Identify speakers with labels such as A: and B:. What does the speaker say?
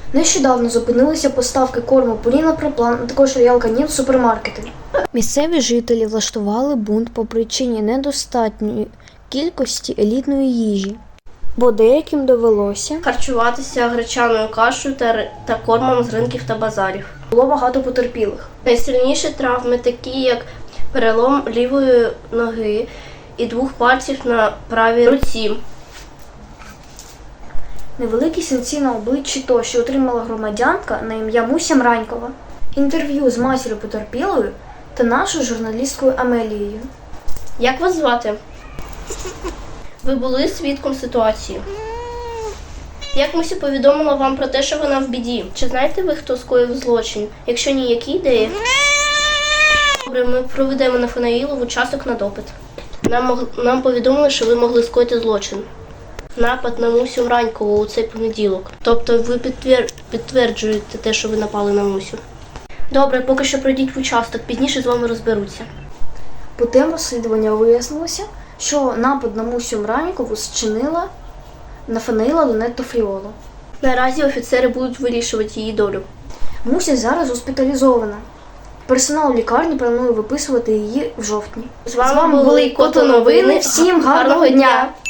A: Нещодавно зупинилися поставки корму Purina Pro Plan, а також Royal Canin в супермаркети. Місцеві жителі влаштували бунт по причині недостатньої кількості елітної їжі, бо деяким довелося
B: харчуватися гречаною кашею та кормом з ринків та базарів.
A: Було багато потерпілих.
B: Найсильніші травми, такі як перелом лівої ноги і 2 пальців на правій руці.
A: Невеликі синці на обличчі тощо отримала громадянка на ім'я Муся Мранькова. Інтерв'ю з матір'ю потерпілою та нашою журналісткою Амелією.
B: Як вас звати? Ви були свідком ситуації. Як Муся повідомила вам про те, що вона в біді? Чи знаєте ви, хто скоїв злочин? Якщо ні, які ідеї? Добре, ми проведемо Нафанаїлову участок на допит. Нам повідомили, що ви могли скоїти злочин. Напад на Мусю Мранькову у цей понеділок. Тобто ви підтверджуєте те, що ви напали на Мусю. Добре, поки що пройдіть в участок, пізніше з вами розберуться.
A: Путем розслідування вияснилося, що напад на Мусю Мранькову зчинила Нафанаїла Донетто Фріоло.
B: Наразі офіцери будуть вирішувати її долю.
A: Муся зараз госпіталізована. Персонал лікарні планує виписувати її в жовтні.
B: З вами були Кото Новини.
A: Всім гарного дня!